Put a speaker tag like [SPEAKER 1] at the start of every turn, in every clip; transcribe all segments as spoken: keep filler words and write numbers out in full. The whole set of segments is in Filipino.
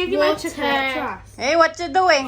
[SPEAKER 1] drinking my chocolate trust.
[SPEAKER 2] Hey, what you doing?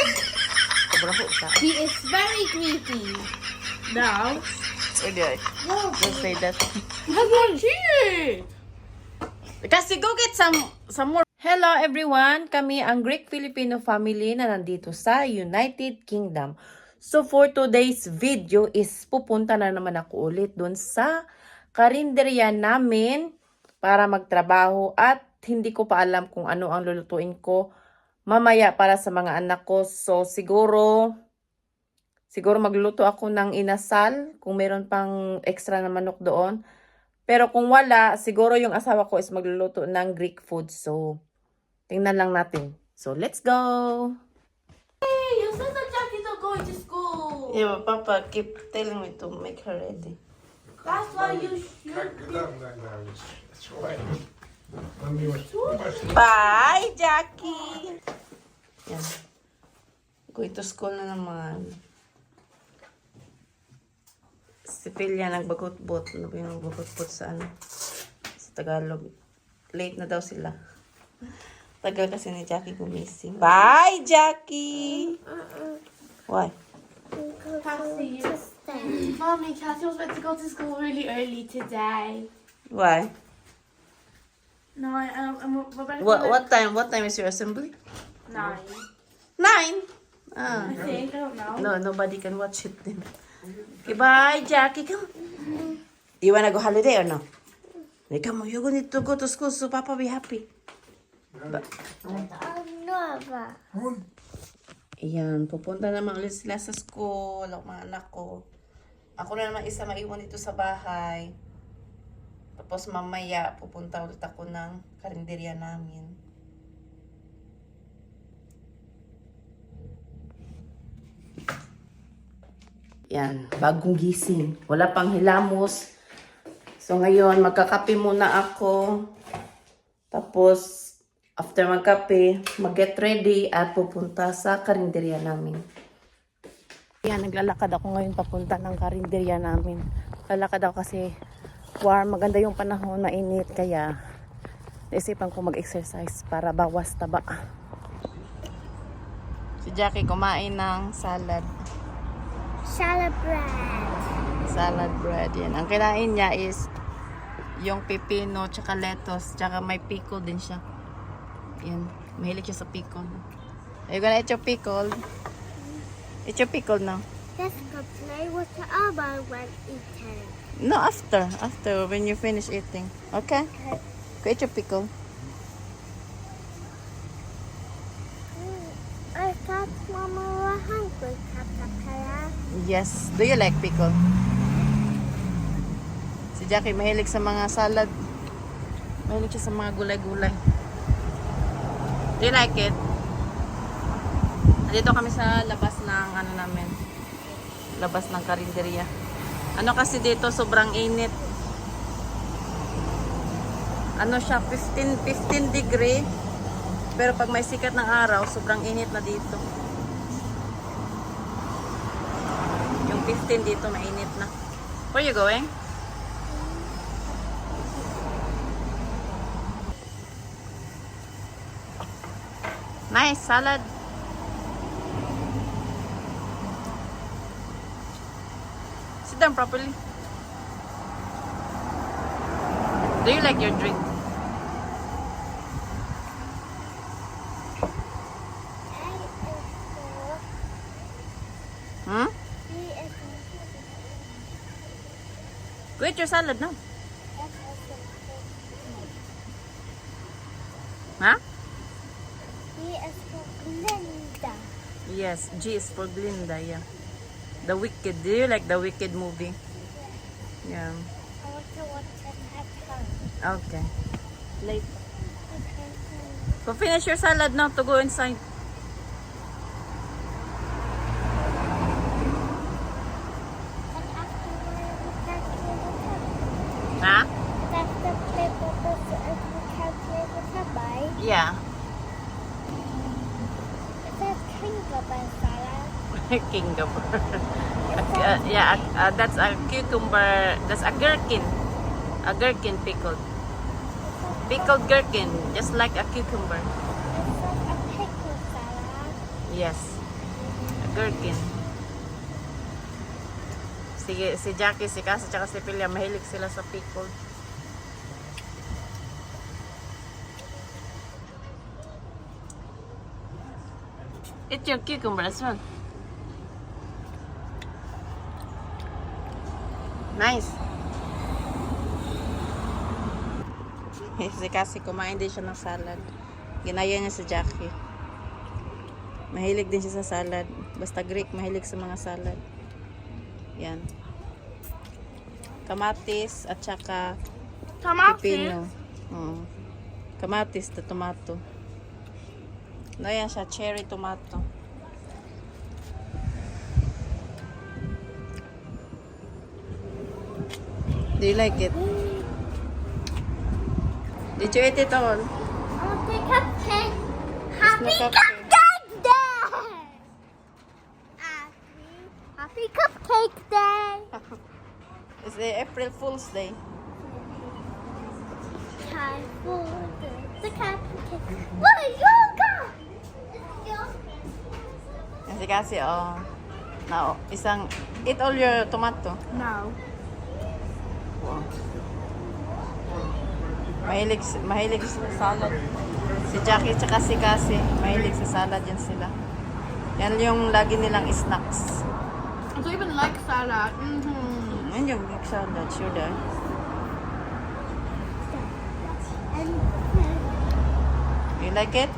[SPEAKER 1] He is very greedy. Now,
[SPEAKER 2] Okay. Don't say that.
[SPEAKER 1] I'm not cheating.
[SPEAKER 2] Kasi go get some some more. Hello everyone, kami ang Greek Filipino family na nandito sa United Kingdom. So for today's video is pupunta na naman ako ulit dun sa karinderya namin para magtrabaho at hindi ko pa alam kung ano ang lulutuin ko mamaya para sa mga anak ko. So siguro siguro magluluto ako ng inasal kung meron pang extra na manok doon. Pero kung wala, siguro yung asawa ko is magluluto ng Greek food. So tingnan lang natin. So, let's go!
[SPEAKER 1] Hey, you said that Jackie's not going to school.
[SPEAKER 2] Yeah, but Papa keep telling me to make her ready.
[SPEAKER 1] That's why you should.
[SPEAKER 3] That's right. Mommy was much
[SPEAKER 2] Bye, Jackie! Yan. Going to school na naman. Si Pilya nagbagot-bot. Ano ba yung nagbagot-bot sa ano? Sa Tagalog. Late na daw sila. Tagal kasi ni Jackie gumising. Bye, Jackie! Why?
[SPEAKER 1] Cassie, you. Mommy, Cassie was meant to go to school really early today.
[SPEAKER 2] Why?
[SPEAKER 1] No, I, um, I'm, we're both
[SPEAKER 2] What,
[SPEAKER 1] gonna-
[SPEAKER 2] what time? What time is your assembly?
[SPEAKER 1] Nine.
[SPEAKER 2] Nine? Ah.
[SPEAKER 1] I think, I don't know.
[SPEAKER 2] No, nobody can watch it then. Okay, bye, Jackie. Come. You wanna go holiday or no? Hey, come on, you're going to go to school so Papa be happy. Ba- Ayan, pupunta naman ulit sila sa school, ang mga anak ko. Ako na naman isa maiwan dito sa bahay. Tapos mamaya, pupunta ulit ako ng karinderya namin. Yan, bagong gising. Wala pang hilamos. So ngayon, magkakape muna ako. Tapos, after magkape, mag-get ready at pupunta sa karinderya namin. Yan, naglalakad ako ngayon papunta ng karinderya namin. Lalakad ako kasi warm, maganda yung panahon, mainit. Kaya, naisipan ko mag-exercise para bawas taba. Si Jackie kumain ng salad.
[SPEAKER 4] Salad bread.
[SPEAKER 2] Salad bread, yan. Ang kinain niya is yung pipino, tsaka lettuce, tsaka may pickle din siya. Yan. Mahilig siya sa pickle. Are you gonna eat your pickle? Eat your pickle now.
[SPEAKER 4] Let's go play with the other when eating.
[SPEAKER 2] No, after. After, when you finish eating. Okay? Go eat your pickle.
[SPEAKER 4] I thought Mama was hungry, Kaya.
[SPEAKER 2] Yes. Do you like pickle? Si Jackie mahilig sa mga salad. Mahilig siya sa mga gulay-gulay. Do you like it? Dito kami sa labas ng ano namin. Labas ng karinderya. Ano kasi dito sobrang init. Ano siya fifteen fifteen degree. Pero pag may sikat ng araw, sobrang init na dito. Yung fifteen dito mainit na. Where you going? Nice salad. Sit down properly. Do you like your drink? Hmm? Go eat your salad now. Huh?
[SPEAKER 4] He is for Linda.
[SPEAKER 2] Yes, G is for Glinda, yeah. The Wicked. Do you like the Wicked movie? Yeah.
[SPEAKER 4] I want to watch it at home.
[SPEAKER 2] Okay. Late.
[SPEAKER 4] Okay.
[SPEAKER 2] So finish your salad now to go inside.
[SPEAKER 4] And afterward, we can play with him.
[SPEAKER 2] Huh?
[SPEAKER 4] After play with us, and we can play with him, right?
[SPEAKER 2] Yeah.
[SPEAKER 4] It says cucumber salad.
[SPEAKER 2] Cucumber. uh, yeah, uh, that's a cucumber. That's a gherkin. A gherkin pickled. Pickled gherkin, just like a cucumber.
[SPEAKER 4] It says
[SPEAKER 2] Yes. A gherkin. Sige, si Jackie, si Cassie, tsaka si Pilya, mahilig sila sa pickled. Eat your cucumber as well. Nice. Si Cassie, kumain din siya ng salad. Ginaya niya si Jackie. Mahilig din siya sa salad. Basta Greek, mahilig sa mga salad. Yan. Kamatis at saka pipino. Mm. Kamatis na tomato. No, yan siya. Cherry tomato. Do you like it? Did you eat it all?
[SPEAKER 4] I'll take cupcake. Happy
[SPEAKER 2] no cupcake.
[SPEAKER 4] Cupcake Day! Happy, happy Cupcake Day!
[SPEAKER 2] It's the April Fool's Day.
[SPEAKER 4] Time for the, the cupcake. What yoga?
[SPEAKER 2] Kasi kasi, oh. Now, isang, eat all your tomato.
[SPEAKER 1] No.
[SPEAKER 2] Wow. Mahilig, mahilig sa salad. Si Jackie tsaka si Cassie, mahilig sa salad yan sila. Yan yung lagi nilang snacks.
[SPEAKER 1] I don't even like salad. Mm-hmm.
[SPEAKER 2] Yan yung big salad, sure da.
[SPEAKER 4] And
[SPEAKER 2] You like it?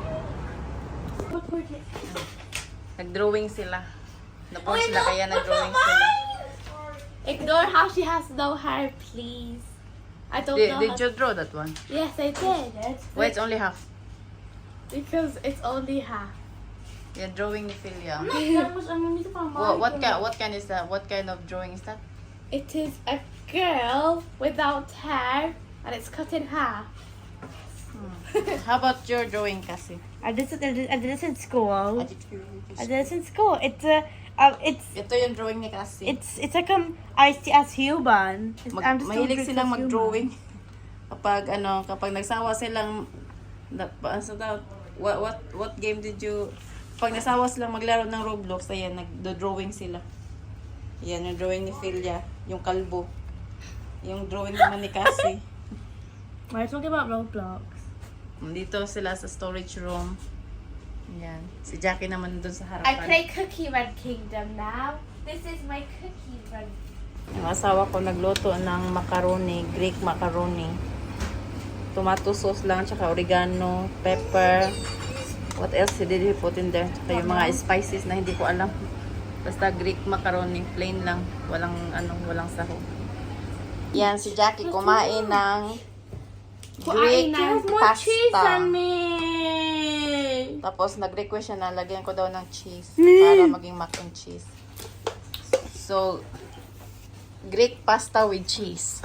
[SPEAKER 2] Nag-drawing sila. Napost
[SPEAKER 1] Oh,
[SPEAKER 2] sila
[SPEAKER 1] no.
[SPEAKER 2] kaya
[SPEAKER 1] What's
[SPEAKER 2] nag-drawing
[SPEAKER 1] that
[SPEAKER 2] sila.
[SPEAKER 1] Ignore how she has no hair, please. I don't
[SPEAKER 2] Did,
[SPEAKER 1] know.
[SPEAKER 2] did
[SPEAKER 1] how-
[SPEAKER 2] you draw that one?
[SPEAKER 1] Yes, I did.
[SPEAKER 2] Why it's only half?
[SPEAKER 1] Because it's only half.
[SPEAKER 2] You're drawing ni Philia.
[SPEAKER 1] what,
[SPEAKER 2] What, what kind? What kind is that? What kind of drawing is that?
[SPEAKER 1] It is a girl without hair, and it's cut in half.
[SPEAKER 2] How about your drawing, Cassie?
[SPEAKER 5] I did it. I did, I did this in school. I did this in school. It's a. Uh, it's
[SPEAKER 2] Ito yung drawing ni Cassie.
[SPEAKER 5] it's it's like um I see as human. It's,
[SPEAKER 2] Mag,
[SPEAKER 5] I'm just doing
[SPEAKER 2] mahilig
[SPEAKER 5] it
[SPEAKER 2] silang
[SPEAKER 5] as human.
[SPEAKER 2] mag-drawing. Kapag ano, kapag nagsawa silang na, pa- ano daw, what what what game did you pag nasawa silang maglaro ng Roblox, ayan, nagdo-drawing sila. Yan yung drawing ni Philia, yung kalbo. Yung drawing naman ni Cassie.
[SPEAKER 5] We're talking about Roblox.
[SPEAKER 2] Dito sila sa storage room. Yan. Si Jackie naman dun sa
[SPEAKER 1] I
[SPEAKER 2] harapan.
[SPEAKER 1] play Cookie Run Kingdom now. This is my Cookie Run.
[SPEAKER 2] Yung asawa ko nagluto ng macaroni, Greek macaroni. Tomato sauce lang, tsaka oregano, pepper. What else did he put in there? Tsaka yung mga spices na hindi ko alam. Basta Greek macaroni, plain lang. Walang, anong, walang sahog. Yan, si Jackie kumain ng Greek pasta.
[SPEAKER 1] me.
[SPEAKER 2] Tapos nag-request siya na lagyan ko daw ng cheese para maging mac and cheese. So, Greek pasta with cheese.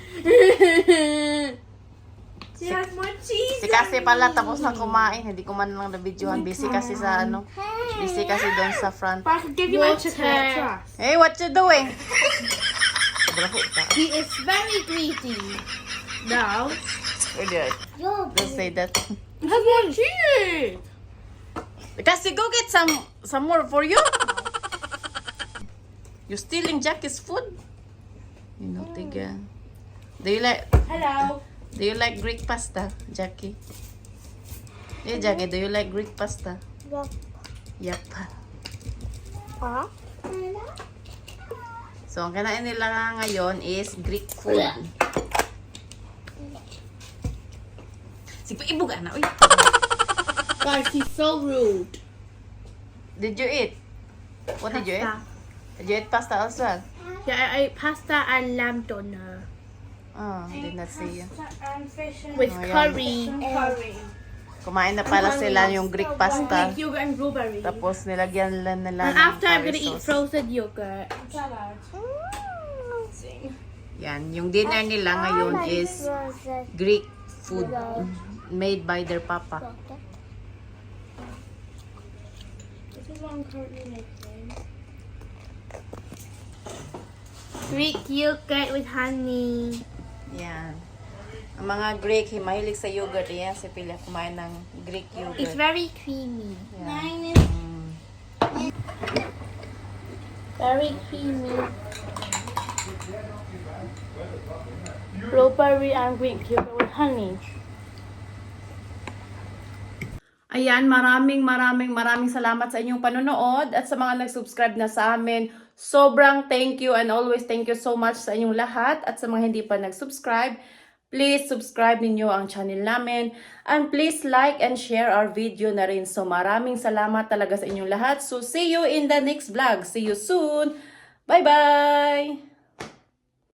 [SPEAKER 1] She has more cheese.
[SPEAKER 2] Si kasi pala tapos na kumain, hindi ko man lang na-videohan. Busy kasi sa ano, busy kasi doon sa front.
[SPEAKER 5] But I could give you my chocolate trust.
[SPEAKER 2] Hey, what you doing? Bravo ka.
[SPEAKER 1] He is very greedy.
[SPEAKER 5] No.
[SPEAKER 2] Idiot.
[SPEAKER 4] you're
[SPEAKER 2] Don't say that.
[SPEAKER 5] I have more cheese.
[SPEAKER 2] Kasi go get some some more for you. You stealing Jackie's food? You know, tiga. Do you like
[SPEAKER 1] Hello.
[SPEAKER 2] Do you like Greek pasta, Jackie? Hey, Jackie, do you like Greek pasta?
[SPEAKER 4] Yup.
[SPEAKER 2] Yep.
[SPEAKER 4] Huh?
[SPEAKER 2] So, ang kinain nila ngayon is Greek food. Sige, ibuga na. Uy.
[SPEAKER 1] Guys, he's so rude.
[SPEAKER 2] Did you eat? What did you eat? Did you eat pasta also?
[SPEAKER 1] Yeah, I ate pasta and lamb doner
[SPEAKER 2] Oh, did not see you.
[SPEAKER 1] with
[SPEAKER 2] Oh, yeah.
[SPEAKER 1] curry.
[SPEAKER 2] Kumain na pala sila yung Greek pasta.
[SPEAKER 1] Greek yogurt and blueberry.
[SPEAKER 2] Tapos nilagyan nila nila
[SPEAKER 1] And
[SPEAKER 2] ng
[SPEAKER 1] after, I'm
[SPEAKER 2] curry
[SPEAKER 1] gonna eat
[SPEAKER 2] sauce.
[SPEAKER 1] frozen yogurt.
[SPEAKER 2] Yan, yung dinner nila ngayon is Greek food made by their papa.
[SPEAKER 1] This is what I'm currently making. Greek yogurt with honey.
[SPEAKER 2] Yan. Ang mga Greek, mahilig sa yogurt. Yan, si Pila kumain ng Greek
[SPEAKER 1] It's
[SPEAKER 2] yogurt.
[SPEAKER 1] very creamy.
[SPEAKER 2] Yan.
[SPEAKER 1] Very creamy. Blueberry and green cucumber with honey.
[SPEAKER 2] Ayan, maraming maraming maraming salamat sa inyong panonood at sa mga nag-subscribe na sa amin. Sobrang thank you and always thank you so much sa inyong lahat at sa mga hindi pa nag-subscribe. Please subscribe ninyo ang channel namin and please like and share our video na rin. So maraming salamat talaga sa inyong lahat. So see you in the next vlog. See you soon. Bye-bye!